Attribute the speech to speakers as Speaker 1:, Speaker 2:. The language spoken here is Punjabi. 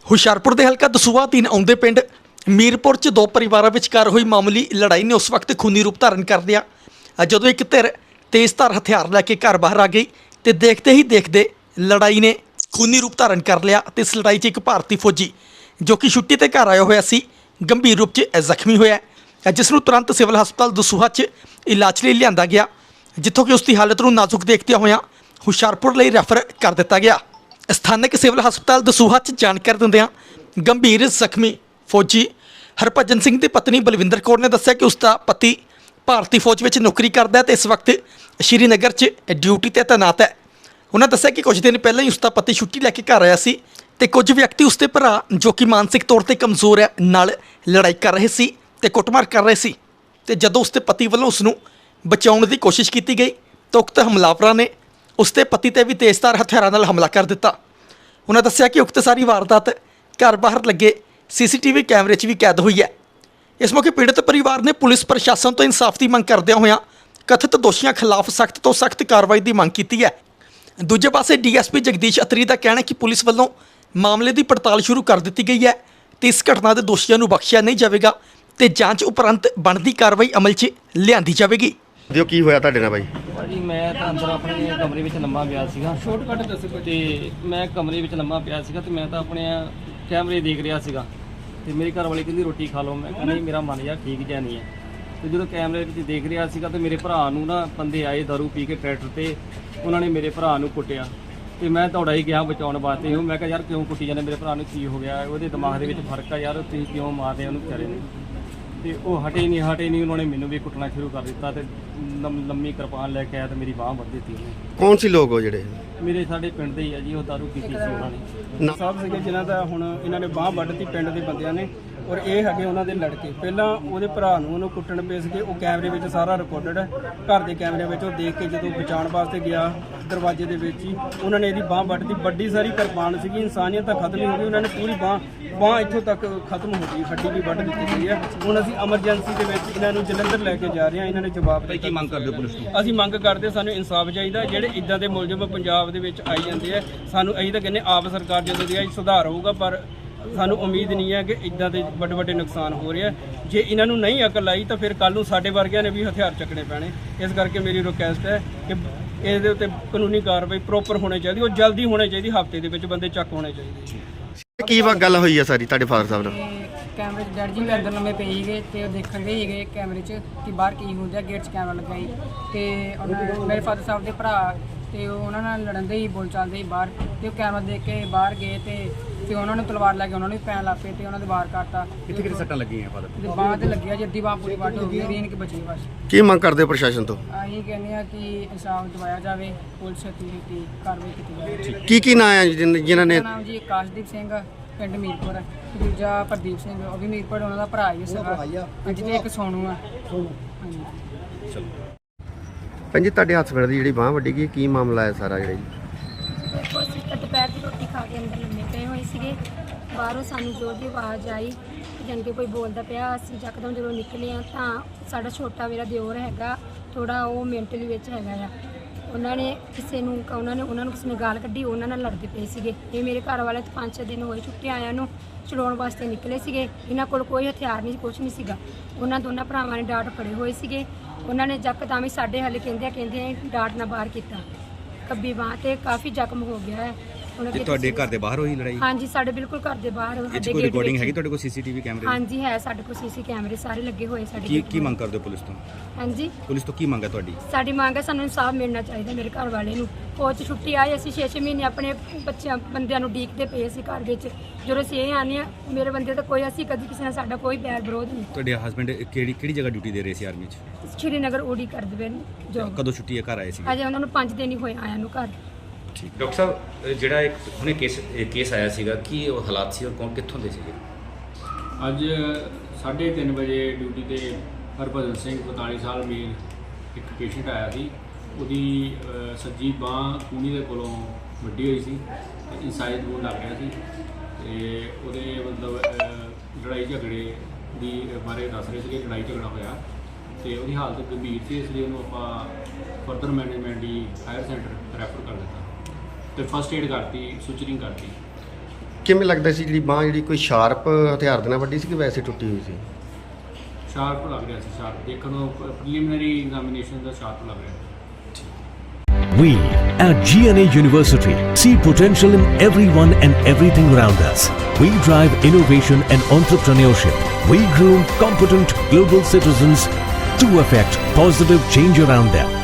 Speaker 1: ਹੁਸ਼ਿਆਰਪੁਰ ਦੇ ਹਲਕਾ ਦਸੂਹਾ ਅਧੀਨ ਆਉਂਦੇ ਪਿੰਡ ਮੀਰਪੁਰ 'ਚ ਦੋ ਪਰਿਵਾਰਾਂ ਵਿਚਕਾਰ ਹੋਈ ਮਾਮੂਲੀ ਲੜਾਈ ਨੇ ਉਸ ਵਕਤ ਖੂਨੀ ਰੂਪ ਧਾਰਨ ਕਰ ਲਿਆ ਜਦੋਂ ਇੱਕ ਧਿਰ ਤੇਜ਼ਧਾਰ ਹਥਿਆਰ ਲੈ ਕੇ ਘਰ ਬਾਹਰ ਆ ਗਈ ਤੇ ਦੇਖਦੇ ਹੀ ਦੇਖਦੇ ਲੜਾਈ ਨੇ ਖੂਨੀ ਰੂਪ ਧਾਰਨ ਕਰ ਲਿਆ ਤੇ ਇਸ ਲੜਾਈ 'ਚ ਇੱਕ ਭਾਰਤੀ ਫੌਜੀ ਜੋ ਕਿ ਛੁੱਟੀ ਤੇ ਘਰ ਆਇਆ ਹੋਇਆ ਸੀ ਗੰਭੀਰ ਰੂਪ 'ਚ ਜ਼ਖਮੀ ਹੋਇਆ ਜਿਸ ਨੂੰ ਤੁਰੰਤ ਸਿਵਲ ਹਸਪਤਾਲ ਦਸੂਹਾ 'ਚ ਇਲਾਜ ਲਈ ਲਿਆਂਦਾ ਗਿਆ ਜਿੱਥੋਂ ਕਿ ਉਸ ਦੀ ਹਾਲਤ ਨੂੰ ਨਾਜ਼ੁਕ ਦੇਖਦਿਆਂ ਹੋਇਆਂ ਹੁਸ਼ਿਆਰਪੁਰ ਲਈ ਰੈਫਰ ਕਰ ਦਿੱਤਾ ਗਿਆ। ਸਥਾਨਕ ਸਿਵਲ ਹਸਪਤਾਲ ਦਸੂਹਾ 'ਚ ਜਾਣਕਾਰੀ ਦਿੰਦਿਆਂ ਗੰਭੀਰ ਜ਼ਖਮੀ ਫੌਜੀ ਹਰਭਜਨ ਸਿੰਘ ਦੀ ਪਤਨੀ ਬਲਵਿੰਦਰ ਕੌਰ ਨੇ ਦੱਸਿਆ ਕਿ ਉਸ ਦਾ ਪਤੀ ਭਾਰਤੀ ਫੌਜ ਵਿੱਚ ਨੌਕਰੀ ਕਰਦਾ ਹੈ ਤੇ ਇਸ ਵਕਤ ਸ਼੍ਰੀਨਗਰ 'ਚ ਡਿਊਟੀ ਤੇ ਤੈਨਾਤ ਹੈ। ਉਹਨਾਂ ਦੱਸਿਆ ਕਿ ਕੁਝ ਦਿਨ ਪਹਿਲਾਂ ਹੀ ਉਸ ਦਾ ਪਤੀ ਛੁੱਟੀ ਲੈ ਕੇ ਘਰ ਆਇਆ ਸੀ ਤੇ ਕੁਝ ਵਿਅਕਤੀ ਉਸ ਦੇ ਭਰਾ ਜੋ ਕਿ ਮਾਨਸਿਕ ਤੌਰ ਤੇ ਕਮਜ਼ੋਰ ਹੈ ਨਾਲ ਲੜਾਈ ਕਰ ਰਹੇ ਸੀ ਤੇ ਕੁੱਟਮਾਰ ਕਰ ਰਹੇ ਸੀ ਤੇ ਜਦੋਂ ਉਸ ਦੇ ਪਤੀ ਵੱਲੋਂ ਉਸ ਨੂੰ ਬਚਾਉਣ ਦੀ ਕੋਸ਼ਿਸ਼ ਕੀਤੀ ਗਈ ਤਾਂ ਉਕਤ ਹਮਲਾਵਰਾਂ ਨੇ ਉਸ ਦੇ ਪਤੀ ਤੇ ਵੀ ਤੇਜ਼ਧਾਰ ਹਥਿਆਰਾਂ ਨਾਲ ਹਮਲਾ ਕਰ ਦਿੱਤਾ। ਉਹਨਾਂ ਦੱਸਿਆ ਕਿ ਉਕਤ ਸਾਰੀ ਵਾਰਦਾਤ ਘਰ ਬਾਹਰ ਲੱਗੇ ਸੀਸੀਟੀਵੀ ਕੈਮਰੇ 'ਚ ਵੀ ਕੈਦ ਹੋਈ ਹੈ। ਇਸ ਮੌਕੇ ਪੀੜਤ ਪਰਿਵਾਰ ਨੇ ਪੁਲਿਸ ਪ੍ਰਸ਼ਾਸਨ ਤੋਂ ਇਨਸਾਫ ਦੀ ਮੰਗ ਕਰਦਿਆਂ ਹੋਇਆਂ ਕਥਿਤ ਦੋਸ਼ੀਆਂ ਖਿਲਾਫ ਸਖਤ ਤੋਂ ਸਖਤ ਕਾਰਵਾਈ ਦੀ ਮੰਗ ਕੀਤੀ ਹੈ। ਦੂਜੇ ਪਾਸੇ ਡੀਐਸਪੀ ਜਗਦੀਸ਼ ਅਤਰੀ ਦਾ ਕਹਿਣਾ ਹੈ ਕਿ ਪੁਲਿਸ ਵੱਲੋਂ ਮਾਮਲੇ ਦੀ ਪੜਤਾਲ ਸ਼ੁਰੂ ਕਰ ਦਿੱਤੀ ਗਈ ਹੈ ਤੇ ਇਸ ਘਟਨਾ ਦੇ ਦੋਸ਼ੀਆਂ ਨੂੰ ਬਖਸ਼ਿਆ ਨਹੀਂ ਜਾਵੇਗਾ ਤੇ ਜਾਂਚ ਉਪਰੰਤ ਬਣਦੀ ਕਾਰਵਾਈ ਅਮਲ 'ਚ ਲਿਆਂਦੀ ਜਾਵੇਗੀ।
Speaker 2: ਦਿਓ ਕੀ ਹੋਇਆ ਤੁਹਾਡੇ ਨਾਲ ਬਾਈ?
Speaker 3: ਭਾਜੀ ਮੈਂ ਤਾਂ ਅੰਦਰ ਆਪਣੇ ਕਮਰੇ ਵਿੱਚ ਲੰਮਾ ਪਿਆ ਸੀਗਾ। ਸ਼ਾਰਟਕਟ ਦੱਸੋ। ਤੇ ਮੈਂ ਕਮਰੇ ਵਿੱਚ ਲੰਮਾ ਪਿਆ ਸੀਗਾ ਤੇ ਮੈਂ ਤਾਂ ਆਪਣੇ ਕੈਮਰੇ ਦੇਖ ਰਿਹਾ ਸੀਗਾ ਤੇ ਮੇਰੀ ਘਰ ਵਾਲੀ ਕਹਿੰਦੀ ਰੋਟੀ ਖਾ ਲਓ। ਮੈਂ ਕਹਿੰਦਾ ਨਹੀਂ ਮੇਰਾ ਮਨ ਯਾਰ ਠੀਕ ਜਿਹਾ ਨਹੀਂ ਹੈ। ਤੇ ਜਦੋਂ ਕੈਮਰੇ ਵਿੱਚ ਦੇਖ ਰਿਹਾ ਸੀਗਾ ਤੇ ਮੇਰੇ ਭਰਾ ਨੂੰ ਨਾ ਬੰਦੇ ਆਏ ਦਾਰੂ ਪੀ ਕੇ ਟਰੈਕਟਰ ਤੇ ਉਹਨਾਂ ਨੇ ਮੇਰੇ ਭਰਾ ਨੂੰ ਕੁੱਟਿਆ ਤੇ ਮੈਂ ਦੌੜਾ ਹੀ ਗਿਆ ਬਚਾਉਣ ਵਾਸਤੇ। ਉਹ ਮੈਂ ਕਿਹਾ ਯਾਰ ਕਿਉਂ ਕੁੱਟੀ ਜਾਂਦੇ, ਮੇਰੇ ਭਰਾ ਨੂੰ ਕੀ ਹੋ ਗਿਆ, ਉਹਦੇ ਦਿਮਾਗ ਦੇ ਵਿੱਚ ਫਰਕ ਆ ਯਾਰ, ਤੁਸੀਂ ਕਿਉਂ ਮਾਰਦੇ ਉਹਨੂੰ ਵਿਚਾਰੇ ਨੂੰ। ਤੇ ਉਹ ਹਟੇ ਨਹੀਂ ਉਹਨਾਂ ਨੇ ਮੈਨੂੰ ਵੀ ਕੁੱਟਣਾ ਸ਼ੁਰੂ ਕਰ ਦਿੱਤਾ ਤੇ ਲੰਮੀ ਕਿਰਪਾਨ ਲੈ ਕੇ ਆਇਆ ਤੇ ਮੇਰੀ ਬਾਂਹ ਵੱਢ ਦਿੱਤੀ ਉਹਨੇ।
Speaker 2: ਕੌਣ ਸੀ ਲੋਕ ਉਹ ਜਿਹੜੇ?
Speaker 3: ਮੇਰੇ ਸਾਡੇ ਪਿੰਡ ਦੇ ਹੀ ਆ ਜੀ, ਉਹ ਦਾਰੂ ਪੀਤੀ ਸੀ ਉਹਨਾਂ ਨੇ।
Speaker 4: ਸਾਹਿਬ ਸੀਗੇ ਜਿਨ੍ਹਾਂ ਦਾ ਹੁਣ ਇਹਨਾਂ ਨੇ ਬਾਂਹ ਵੱਢਤੀ ਪਿੰਡ ਦੇ ਬੰਦਿਆਂ ਨੇ ਔਰ ਇਹ ਹੈਗੇ ਉਹਨਾਂ ਦੇ ਲੜਕੇ। ਪਹਿਲਾਂ ਉਹਦੇ ਭਰਾ ਨੂੰ ਉਹਨੂੰ ਕੁੱਟਣ ਪਏ ਸੀਗੇ, ਉਹ ਕੈਮਰੇ ਵਿੱਚ ਸਾਰਾ ਰਿਕਾਰਡਡ ਹੈ। ਘਰ ਦੇ ਕੈਮਰਿਆਂ ਵਿੱਚ ਉਹ ਦੇਖ ਕੇ ਜਦੋਂ ਬਚਾਉਣ ਵਾਸਤੇ ਗਿਆ ਦਰਵਾਜ਼ੇ ਦੇ ਵਿੱਚ ਹੀ ਉਹਨਾਂ ਨੇ ਇਹਦੀ ਬਾਂਹ ਵੱਢਤੀ। ਵੱਡੀ ਸਾਰੀ ਕਿਰਪਾਨ ਸੀਗੀ, ਇਨਸਾਨੀਅਤ ਤਾਂ ਖਤਮ ਹੀ ਹੋ ਗਈ। ਉਹਨਾਂ ਨੇ ਪੂਰੀ ਬਾਂਹ ਇੱਥੋਂ ਤੱਕ ਖਤਮ ਹੋ ਗਈ, ਹੱਡੀ ਵੀ ਵੱਢ ਦਿੱਤੀ ਗਈ ਹੈ। ਹੁਣ ਅਸੀਂ ਐਮਰਜੈਂਸੀ ਦੇ ਵਿੱਚ ਇਹਨਾਂ ਨੂੰ ਜਲੰਧਰ ਲੈ ਕੇ ਜਾ ਰਹੇ ਹਾਂ। ਇਹਨਾਂ ਨੇ ਜਵਾਬ ਦਿੱਤਾ।
Speaker 2: ਕੀ ਮੰਗ ਕਰਦੇ ਪੁਲਿਸ ਤੋਂ?
Speaker 4: ਅਸੀਂ ਮੰਗ ਕਰਦੇ ਸਾਨੂੰ ਇਨਸਾਫ ਚਾਹੀਦਾ। ਜਿਹੜੇ ਇਦਾਂ ਦੇ ਮੁਲਜ਼ਮ ਪੰਜਾਬ ਦੇ ਵਿੱਚ ਆਈ ਜਾਂਦੇ ਆ, ਸਾਨੂੰ ਅਸੀਂ ਤਾਂ ਕਹਿੰਦੇ ਆਪ ਸਰਕਾਰ ਜਦੋਂ ਦੀ ਆਈ ਸੁਧਾਰ ਹੋਊਗਾ, ਪਰ ਸਾਨੂੰ ਉਮੀਦ ਨਹੀਂ ਹੈ ਕਿ ਇਦਾਂ ਦੇ ਵੱਡੇ ਵੱਡੇ ਨੁਕਸਾਨ ਹੋ ਰਿਹਾ। ਜੇ ਇਹਨਾਂ ਨੂੰ ਨਹੀਂ ਅਕਲ ਆਈ ਤਾਂ ਫਿਰ ਕੱਲ ਨੂੰ ਸਾਡੇ ਵਰਗਿਆਂ ਨੇ ਵੀ ਹਥਿਆਰ ਚੱਕਣੇ ਪੈਣੇ। ਇਸ ਕਰਕੇ ਮੇਰੀ ਰਿਕੁਐਸਟ ਹੈ ਕਿ ਇਹਦੇ ਉੱਤੇ ਕਾਨੂੰਨੀ ਕਾਰਵਾਈ ਪ੍ਰੋਪਰ ਹੋਣੀ ਚਾਹੀਦੀ, ਉਹ ਜਲਦੀ ਹੋਣੀ ਚਾਹੀਦੀ, ਹਫ਼ਤੇ ਦੇ ਵਿੱਚ ਬੰਦੇ ਚੱਕ ਹੋਣੇ ਚਾਹੀਦੇ।
Speaker 2: ਕੀ ਗੱਲ ਹੋਈ ਹੈ ਸਾਰੀ ਤੁਹਾਡੇ ਫਾਦਰ ਸਾਹਿਬ ਨਾਲ?
Speaker 5: ਕੈਮਰੇ 'ਚ ਡੈਡ ਜੀ ਵੀ ਅੰਦਰ ਲੰਮੇ ਪਏ ਸੀਗੇ ਤੇ ਉਹ ਦੇਖਣ ਗਏ ਸੀਗੇ ਕੈਮਰੇ 'ਚ ਕਿ ਬਾਹਰ ਕੀ ਹੁੰਦਾ। ਗੇਟ 'ਚ ਕੈਮਰਾ ਲੱਗਾ ਸੀ ਤੇ ਮੇਰੇ ਫਾਦਰ ਸਾਹਿਬ ਦੇ ਭਰਾ ਤੇ ਉਹਨਾਂ ਨਾਲ ਲੜਨ ਦੇ ਹੀ ਬੋਲ ਚਾਲਦੇ ਸੀ ਬਾਹਰ ਤੇ ਉਹ ਕੈਮਰਾ ਦੇਖ ਕੇ ਬਾਹਰ ਗਏ ਤੇ ਉਹਨਾਂ ਨੂੰ ਤਲਵਾਰ ਲੈ ਕੇ ਉਹਨਾਂ ਨੂੰ ਵੀ ਪੈਣ ਲੱਗ ਪਏ ਤੇ ਉਹਨਾਂ ਦੇ ਵਾਰ ਕੱਟਤਾ।
Speaker 2: ਕਿੱਥੇ ਸੱਟਾਂ ਲੱਗੀਆਂ ਫਾਦਰ
Speaker 5: ਤੇ ਬਾਂਹ ਤੇ ਲੱਗਿਆ ਜੀ, ਅੱਧੀ ਬਾਂਹ ਪੂਰੀ ਵੱਢ ਹੋ ਗਈ, ਰੀਨ ਕਿ ਬਚੀ ਬਸ।
Speaker 2: ਕੀ ਮੰਗ ਕਰਦੇ ਹੋ ਪ੍ਰਸ਼ਾਸਨ ਤੋਂ?
Speaker 5: ਅਸੀਂ ਕਹਿੰਦੇ ਆ ਕਿ ਇਨਸਾਫ ਦਿਵਾਇਆ ਜਾਵੇ, ਪੁਲਿਸ ਛੇਤੀ ਕਾਰਵਾਈ ਕੀਤੀ ਜਾਵੇ।
Speaker 2: ਕੀ ਨਾਂ ਹੈ ਜਿਨ੍ਹਾਂ ਨੇ?
Speaker 5: ਨਾਮ ਜੀ ਆਕਾਸ਼ਦੀਪ ਸਿੰਘ ਪਿੰਡ ਮੀਰਪੁਰ, ਦੂਜਾ ਪ੍ਰਦੀਪ ਸਿੰਘ ਉਹ ਵੀ ਮੀਰਪੁਰ, ਉਹਨਾਂ ਦਾ ਭਰਾ ਹੀ ਸੀਗਾ। ਜਿਹਦੇ ਇੱਕ ਸੋਨੂ ਆ। ਹਾਂਜੀ
Speaker 2: ਭੈਣ ਜੀ ਤੁਹਾਡੇ ਹੱਥ ਦੀ ਜਿਹੜੀ ਬਾਂਹ ਵੱਡੀ ਗਈ, ਕੀ ਮਾਮਲਾ ਹੈ ਸਾਰਾ ਜਿਹੜਾ ਜੀ?
Speaker 6: ਦੇਖੋ ਅਸੀਂ ਤਾਂ ਦੁਪਹਿਰ ਦੀ ਰੋਟੀ ਖਾ ਕੇ ਅੰਦਰ ਲੰਮੇ ਪਏ ਹੋਏ ਸੀਗੇ। ਬਾਹਰੋਂ ਸਾਨੂੰ ਜ਼ੋਰ ਦੀ ਆਵਾਜ਼ ਆਈ ਜਾਣੀ ਕਿ ਕੋਈ ਬੋਲਦਾ ਪਿਆ। ਅਸੀਂ ਯਕਦਮ ਜਦੋਂ ਨਿਕਲੇ ਹਾਂ ਤਾਂ ਸਾਡਾ ਛੋਟਾ ਮੇਰਾ ਦਿਓਰ ਹੈਗਾ ਥੋੜਾ, ਉਹ ਮੈਂਟਲੀ ਵਿੱਚ ਹੈਗਾ ਆ। ਉਹਨਾਂ ਨੂੰ ਕਿਸੇ ਨੇ ਗਾਲ ਕੱਢੀ, ਉਹਨਾਂ ਨਾਲ ਲੜਦੇ ਪਏ ਸੀਗੇ। ਇਹ ਮੇਰੇ ਘਰ ਵਾਲੇ ਤਾਂ 5-6 ਦਿਨ ਹੋਏ ਛੁੱਟੀ ਆਇਆਂ ਨੂੰ, ਛੁਡਾਉਣ ਵਾਸਤੇ ਨਿਕਲੇ ਸੀਗੇ। ਇਹਨਾਂ ਕੋਲ ਕੋਈ ਹਥਿਆਰ ਨਹੀਂ, ਕੁਛ ਨਹੀਂ ਸੀਗਾ। ਉਹਨਾਂ ਦੋਨਾਂ ਭਰਾਵਾਂ ਨੇ ਡਾਟ ਫੜੇ ਹੋਏ ਸੀਗੇ। ਉਹਨਾਂ ਨੇ ਯਕਦਮ ਹੀ ਸਾਡੇ ਹਾਲੇ ਕਹਿੰਦੇ ਡਾਟ ਨਾਲ ਬਾਹਰ ਕੀਤਾ। ਖੱਬੀ ਬਾਂਹ ਤੇ ਕਾਫੀ ਜ਼ਖਮ ਹੋ ਗਿਆ ਹੈ।
Speaker 7: ਤੇ ਤੁਹਾਡੇ ਘਰ ਦੇ ਬਾਹਰ ਹੋਈ ਲੜਾਈ?
Speaker 6: ਹਾਂਜੀ ਸਾਡੇ ਬਿਲਕੁਲ ਘਰ ਦੇ ਬਾਹਰ।
Speaker 7: ਸਾਡੇ ਕੋਈ ਰਿਕਾਰਡਿੰਗ ਹੈਗੀ ਤੁਹਾਡੇ ਕੋਲ ਸੀਸੀਟੀਵੀ ਕੈਮਰੇ?
Speaker 6: ਹਾਂਜੀ ਹੈ, ਸਾਡੇ ਕੋਲ ਸੀਸੀ ਕੈਮਰੇ ਸਾਰੇ ਲੱਗੇ ਹੋਏ ਸਾਡੇ।
Speaker 7: ਕੀ ਮੰਗ ਕਰਦੇ ਹੋ ਪੁਲਿਸ ਤੋਂ?
Speaker 6: ਹਾਂਜੀ
Speaker 7: ਪੁਲਿਸ ਤੋਂ ਕੀ ਮੰਗ ਹੈ ਤੁਹਾਡੀ?
Speaker 6: ਸਾਡੀ ਮੰਗ ਹੈ ਸਾਨੂੰ ਇਨਸਾਫ ਮਿਲਣਾ ਚਾਹੀਦਾ। ਮੇਰੇ ਘਰ ਵਾਲੇ ਨੂੰ ਫੌਜ 'ਚ ਛੁੱਟੀ ਆਈ, ਅਸੀਂ 6-6 ਮਹੀਨੇ ਆਪਣੇ ਬੰਦਿਆਂ ਨੂੰ ਉਡੀਕਦੇ ਪਏ ਸੀ ਘਰ ਵਿੱਚ। ਜਦੋਂ ਅਸੀਂ ਇਹ ਆਉਂਦੇ ਹਾਂ ਮੇਰੇ ਬੰਦੇ ਤਾਂ ਕੋਈ, ਅਸੀਂ ਕਦੀ ਕਿਸੇ ਨਾਲ ਸਾਡਾ ਕੋਈ ਬੈਰ ਵਿਰੋਧ ਨਹੀਂ।
Speaker 7: ਤੁਹਾਡੇ ਹਸਬੰਡ ਕਿਹੜੀ ਜਗ੍ਹਾ ਡਿਊਟੀ ਦੇ ਰਹੇ ਸੀ ਆਰਮੀ 'ਚ?
Speaker 6: ਸ਼੍ਰੀਨਗਰ ਓਡੀ ਕਰਦੇ ਪਏ ਜੋ।
Speaker 7: ਕਦੋਂ ਛੁੱਟੀ ਘਰ ਆਏ ਸੀ?
Speaker 6: ਅਜੇ ਉਹਨਾਂ ਨੂੰ 5 ਦਿਨ ਹੀ ਹੋਏ ਆਇਆਂ ਨੂੰ ਘਰ।
Speaker 8: ਡਾਕਟਰ ਸਾਹਿਬ ਜਿਹੜਾ ਇੱਕ ਹੁਣੇ ਕੇਸ ਆਇਆ ਸੀਗਾ, ਕੀ ਉਹ ਹਾਲਾਤ ਸੀ ਔਰ ਕੌਣ ਕਿੱਥੋਂ ਦੇ ਸੀਗੇ?
Speaker 9: ਅੱਜ 3:30 ਵਜੇ ਡਿਊਟੀ ਤੇ ਹਰਭਜਨ ਸਿੰਘ 45 ਸਾਲ ਮੇਲ ਇੱਕ ਪੇਸ਼ੈਂਟ ਆਇਆ ਸੀ। ਉਹਦੀ ਸੱਜੀ ਬਾਂਹ ਕੂਣੀ ਦੇ ਕੋਲੋਂ ਵੱਡੀ ਹੋਈ ਸੀ ਤੇ ਇਨਸਾਈਡ ਵੂੰਡ ਲੱਗ ਗਿਆ ਸੀ ਤੇ ਉਹਦੇ ਮਤਲਬ ਲੜਾਈ ਝਗੜੇ ਦੀ ਬਾਰੇ ਦੱਸ ਰਹੇ ਸੀਗੇ। ਲੜਾਈ ਝਗੜਾ ਹੋਇਆ ਤੇ ਉਹਦੀ ਹਾਲਤ ਗੰਭੀਰ ਸੀ, ਇਸ ਲਈ ਉਹਨੂੰ ਆਪਾਂ ਫਰਦਰ ਮੈਨੇਜਮੈਂਟ ਦੀ ਹਾਇਰ ਸੈਂਟਰ ਰੈਫਰ ਕਰ ਦਿੱਤਾ ਤੇ ਫਸਟ ਏਡ ਕਰਤੀ, ਸੁਚਰਿੰਗ ਕਰਤੀ।
Speaker 2: ਕਿਵੇਂ ਲੱਗਦਾ ਸੀ ਜਿਹੜੀ ਬਾਹ ਜਿਹੜੀ ਕੋਈ ਸ਼ਾਰਪ ਹਥਿਆਰ ਦੇ ਨਾਲ ਵੱਡੀ ਸੀ ਕਿ ਵੈਸੇ ਟੁੱਟੀ ਹੋਈ ਸੀ?
Speaker 9: ਸ਼ਾਰਪ ਲੱਗ ਰਿਹਾ ਸੀ, ਸ਼ਾਰਪ ਦੇਖਣ ਨੂੰ ਪ੍ਰੀਲਿਮਿਨਰੀ ਐਗਜ਼ਾਮੀਨੇਸ਼ਨ ਦਾ ਸ਼ਾਰਪ ਲੱਗ ਰਿਹਾ ਸੀ।
Speaker 10: We at GNA University see potential in everyone and everything around us. We drive innovation and entrepreneurship. We groom competent global citizens to affect positive change around them.